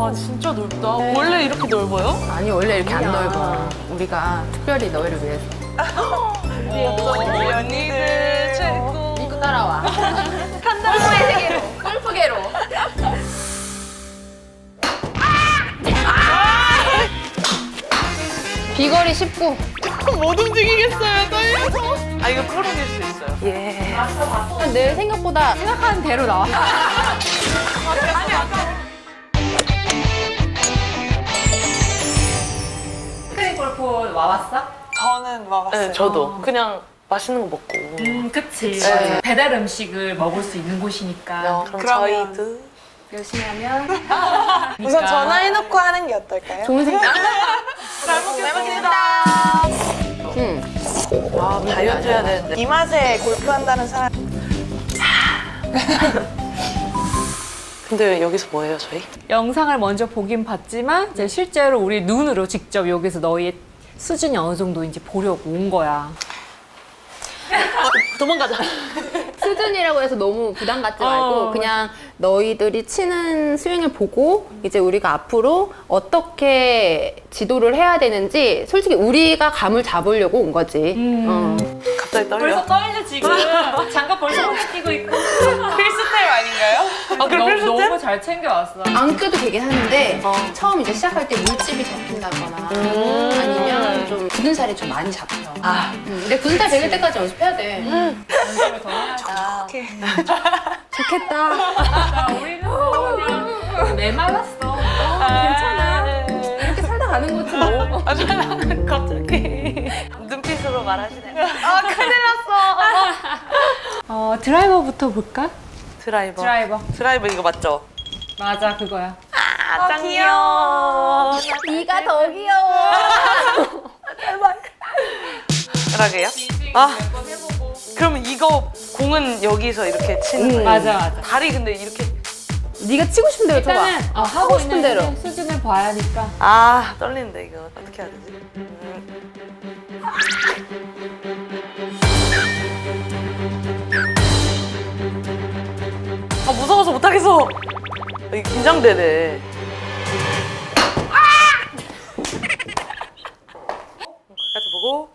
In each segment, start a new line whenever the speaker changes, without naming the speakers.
와 진짜 넓다. 원래 이렇게 넓어요?
아니 원래 이렇게 안 넓어. 우리가 특별히 너희를 위해서.
우리 언니들 최고.
믿고 따라와. 골프의 세계로. 골프계로. 비거리 19.
못 움직이겠어요, 떨려서. 아 이거 풀어낼 수 있어요. 예.
내 생각보다 생각하는 대로 나와. 스크린 골프 와봤어?
저는 와봤어요. 네, 저도 그냥 맛있는 거 먹고.
그치.
네.
배달 음식을 먹을 수 있는 곳이니까.
그럼
그러면-
저희도
열심히 하면
우선 전화해놓고 하는 게 어떨까요?
좋은 생각.
잘 먹겠습니다.
응.
아 다이어트 해야 되는데.
이 맛에 골프한다는 사람
근데 여기서 뭐예요, 저희?
영상을 먼저 보긴 봤지만 이제 실제로 우리 눈으로 직접 여기서 너희의 수준이 어느 정도인지 보려고 온 거야.
도망가자.
수준이라고 해서 너무 부담 갖지 말고 그냥 너희들이 치는 스윙을 보고 이제 우리가 앞으로 어떻게 지도를 해야 되는지 솔직히 우리가 감을 잡으려고 온 거지.
갑자기 떨려.
떨려 지금. 장갑 벌써 끼고 있고.
필수템 아닌가요?
아 그럼 필수 템?
너무 잘 챙겨왔어.
안 껴도 되긴 하는데 처음 이제 시작할 때 물집이 잡힌다거나 아니면 좀 굳은 살이 좀 많이 잡혀.
아.
근데 굳은 살 배길 때까지 연습해야 돼.
연습을 더 해야지.
좋겠다.
우리는 뭐 그냥 메말랐어. 괜찮아.
이렇게 살다 가는 거지 뭐.
아, 갑자기 눈빛으로 말하시네요. 아 큰일 났어.
드라이버부터 볼까?
드라이버.
드라이버.
이거 맞죠?
맞아, 그거야.
아, 짱 귀여워.
네가 더 귀여워.
그러게요. 아, 그럼 이거 공은 여기서 이렇게 치는 거예요?
맞아.
다리 근데 이렇게.
네가 치고 싶은 대로 쳐봐.
일단은
하고 싶은 대로.
수준을 봐야 하니까.
아, 떨리는데 이거 어떻게 해야 되지? 아, 무서워서 못하겠어. 이게 긴장되네. 끝까지 보고.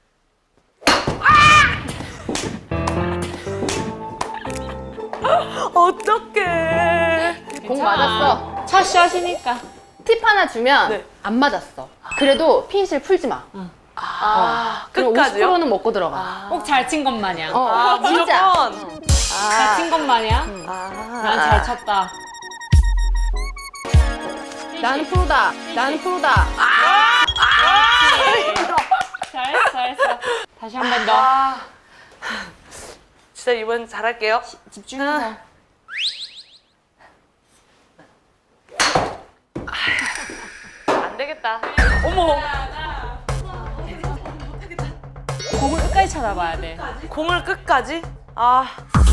어떡해.
공 맞았어.
첫 샷이니까.
팁 하나 주면
네.
안 맞았어. 그래도 핀실 풀지 마.
아,
그럼
끝까지요?
50%는 먹고 들어가.
꼭 잘 친 것 마냥.
아,
진짜.
무조건.
잘 친 것 마냥. 난 잘 쳤다.
나는 프로다. 나는 프로다.
잘했어. 다시 한 번 더.
아, 진짜 이번 잘할게요.
집중해서.
안 되겠다. 어머,
공을 끝까지 쳐다봐야 돼.
공을 끝까지? 아.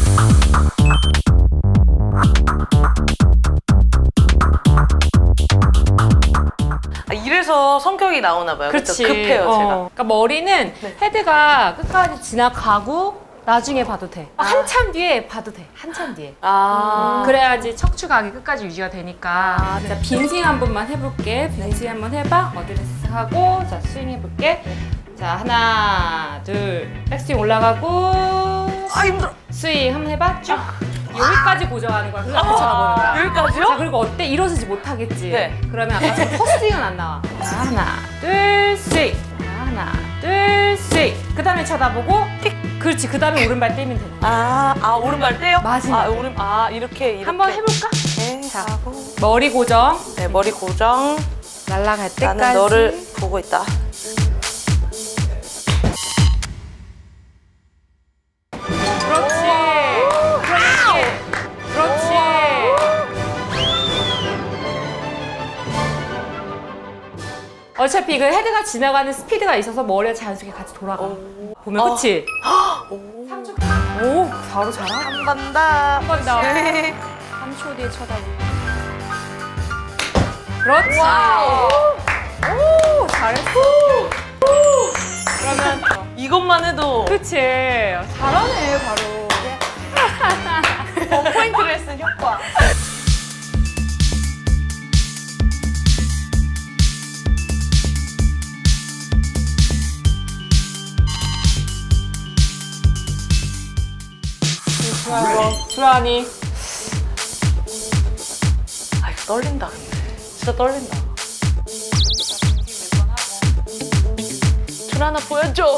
이래서 성격이 나오나 봐요. 그쵸?
그렇지.
급해요, 제가.
그러니까 머리는 헤드가 끝까지 지나가고 나중에 봐도 돼. 한참 뒤에 봐도 돼. 한참 뒤에.
아.
그래야지 척추각이 끝까지 유지가 되니까. 자, 빈스윙 한 번만 해볼게. 빈스윙 한번 해봐. 어드레스 하고, 자, 스윙 해볼게. 자, 하나, 둘, 백스윙 올라가고.
아, 힘들어.
스윙 한번 해봐. 쭉. 여기까지 고정하는 거야. 그래서 앞에 쳐다보는 거야. 자,
여기까지요?
그리고 어때? 일어서지 못하겠지?
네.
그러면 아까처럼 퍼스윙은 안 나와. 자, 하나, 둘, 스윙. 자, 하나, 둘, 스윙. 그 다음에 쳐다보고, 킥. 그렇지. 그 다음에 오른발 떼면 되는 거야.
오른발 떼요?
마지막.
이렇게.
한번 해볼까?
네,
자, 머리 고정.
네, 머리 고정.
날아갈 때까지.
나는 너를 보고 있다.
그렇지. 그렇지. 어차피 그 헤드가 지나가는 스피드가 있어서 머리가 자연스럽게 같이 돌아가. 보면 그치? 오, 바로 잘하.
한 번 더. 한
번 더.
네.
3초 뒤에 쳐다보고. 그렇지. 오, 잘했어. 그러면
이것만 해도
그치. 잘하네, 바로.
원포인트 레슨 효과
주란이.
아 이거 떨린다 근데 진짜 떨린다. 줄 하나 보여줘.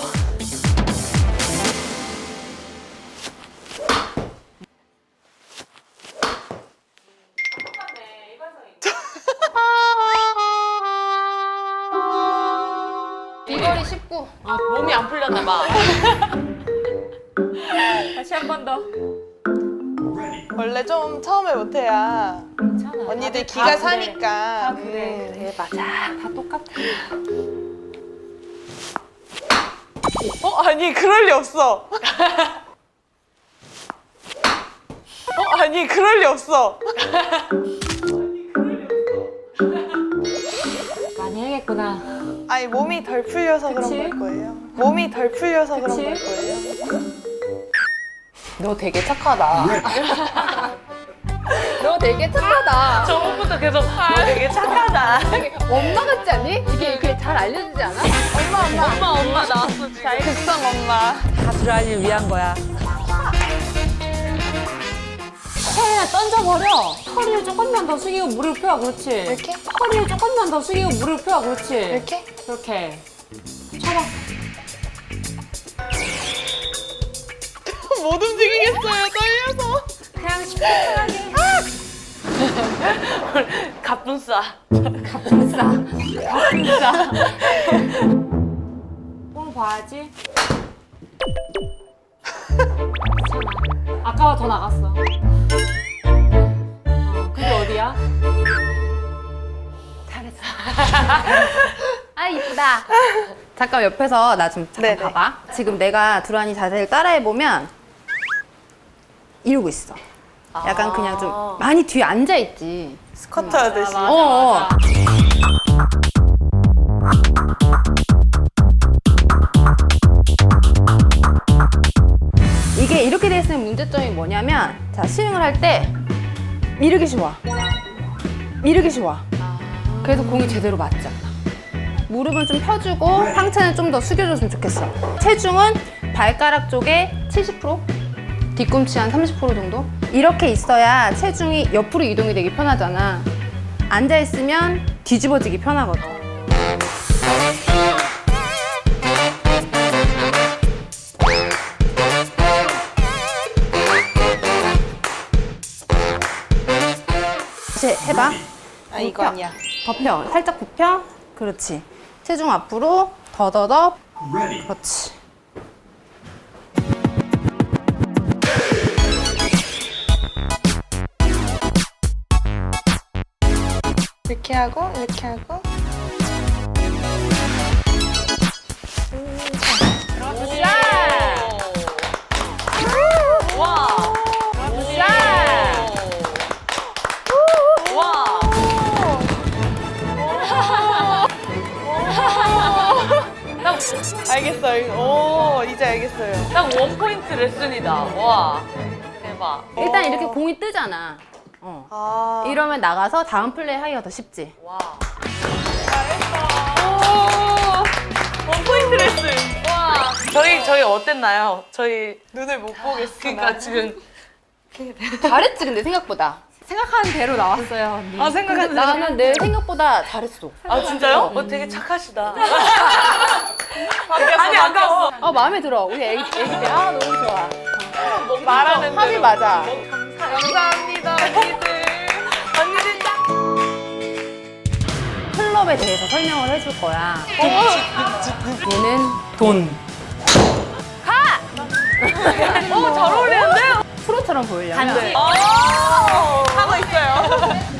비거리 19.
몸이 안 풀렸나 봐.
다시 한 번 더.
원래 좀 처음에 못해야
괜찮아.
언니들
다들
기가
다
사니까.
그래.
그래 맞아.
다 똑같아.
아니 그럴 리 없어. 아니 그럴 리 없어.
많이 해야겠구나.
아니 몸이 덜 풀려서
그치?
그런 걸 거예요. 몸이 덜 풀려서 그런
그치?
걸 거예요.
너 되게 착하다. 너 되게 착하다.
저번부터 계속 너 되게 착하다.
엄마 같지 않니? 이게 잘 알려주지 않아?
엄마 나왔어 지금.
급성 엄마.
다 주란이를 위한 거야. 채나 던져버려. 허리를 조금만 더 숙이고 무릎 펴. 그렇지.
이렇게?
허리를 조금만 더 숙이고 무릎 펴. 그렇지.
이렇게?
이렇게. 쳐봐.
못 움직이겠어요. 떨려서.
그냥 시원하게.
갑분싸.
갑분싸. 볼 봐야지. 괜찮아. 아까와 더 나갔어. 그게 어디야?
잘했어. 아 이쁘다. 잠깐 옆에서 나 좀 잠깐
네네.
봐봐. 지금 내가 두란이 자세를 따라해보면 이러고 있어. 약간 그냥 좀 많이 뒤에 앉아있지.
스쿼트 하듯이.
맞아,
어.
맞아.
이게 이렇게 돼 있으면 문제점이 뭐냐면 자 스윙을 할 때 이렇게 쉬워. 이렇게 쉬워. 그래서 공이 제대로 맞지 않아. 무릎은 좀 펴주고 상체는 좀 더 숙여줬으면 좋겠어. 체중은 발가락 쪽에 70%? 뒤꿈치 한 30% 정도? 이렇게 있어야 체중이 옆으로 이동이 되기 편하잖아. 앉아있으면 뒤집어지기 편하거든. 다시 해봐.
아 이거 아니야.
더 펴. 살짝 굽혀. 그렇지. 체중 앞으로 더더더. 그렇지.
이렇게 하고 이렇게 하고.
와. 와.
알겠어요. 오 이제 알겠어요.
딱 원포인트 레슨이다. 와. 대박.
일단 이렇게 공이 뜨잖아.
아
이러면 나가서 다음 플레이 하기가 더 쉽지.
와. 원포인트 레슨. 와. 저희 어땠나요? 저희
눈을 못 보겠어.
그러니까 지금
잘했지 근데 생각보다.
생각하는 대로 나왔어요, 언니.
아 생각한
나는 내 생각보다 잘했어.
아 진짜요? 되게 착하시다. 아니 아까워.
마음에 들어. 우리 애기 때. 아 너무 좋아.
말하는
합이
대로.
맞아.
감사합니다 언니들. 언니들 짱.
클럽에 대해서 설명을 해줄 거야. 얘는
돈. 잘 어울리는데?
프로처럼 보이려면
하고 있어요.